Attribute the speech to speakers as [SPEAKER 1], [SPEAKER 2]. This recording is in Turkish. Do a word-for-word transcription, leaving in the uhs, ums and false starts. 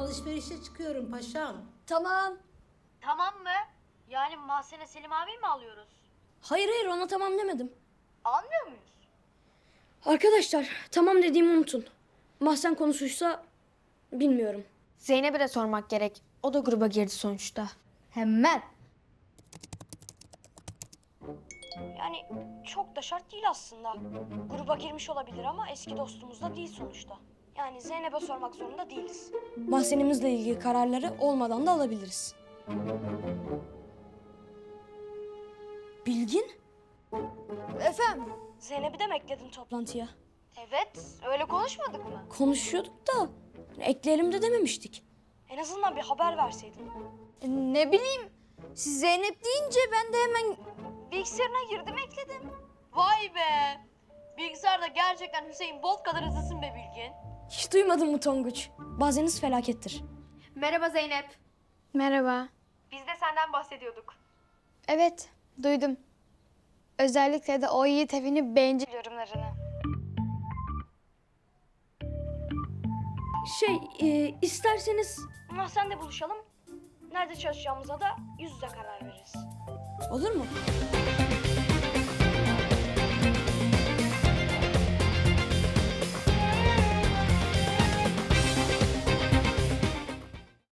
[SPEAKER 1] alışverişe çıkıyorum paşam.
[SPEAKER 2] Tamam.
[SPEAKER 3] Tamam mı? Yani Mahsen'e Selim abi mi alıyoruz?
[SPEAKER 2] Hayır hayır ona tamam demedim.
[SPEAKER 3] Almıyor muyuz?
[SPEAKER 2] Arkadaşlar tamam dediğimi unutun. Mahsen konusuysa bilmiyorum.
[SPEAKER 4] Zeynep'e de sormak gerek. O da gruba girdi sonuçta.
[SPEAKER 5] Hemen.
[SPEAKER 3] Yani çok da şart değil aslında. Gruba girmiş olabilir ama eski dostumuz da değil sonuçta. Yani Zeynep'e sormak zorunda değiliz.
[SPEAKER 2] Mahsenimizle ilgili kararları olmadan da alabiliriz. Bilgin?
[SPEAKER 5] Efendim?
[SPEAKER 3] Zeynep'i de mi ekledin topla?
[SPEAKER 2] Toplantıya.
[SPEAKER 3] Evet, öyle konuşmadık mı?
[SPEAKER 2] Konuşuyorduk da ekleyelim de dememiştik.
[SPEAKER 3] En azından bir haber verseydin.
[SPEAKER 5] E, ne bileyim. Siz Zeynep deyince ben de hemen...
[SPEAKER 3] Bilgisayarına girdim, ekledim. Vay be! Bilgisayarda gerçekten Hüseyin Bolt kadar hızlısın be Bilgin.
[SPEAKER 2] Hiç duymadın mı Tonguç? Bazeniz felakettir.
[SPEAKER 4] Merhaba Zeynep.
[SPEAKER 6] Merhaba.
[SPEAKER 4] Biz de senden bahsediyorduk.
[SPEAKER 6] Evet, duydum. Özellikle de o Yiğit evini bencil
[SPEAKER 3] Yorumlarını.
[SPEAKER 2] Şey, e, isterseniz...
[SPEAKER 3] Mahsen'de buluşalım. Nerede çalışacağımıza da yüz yüze karar veririz.
[SPEAKER 2] Olur mu?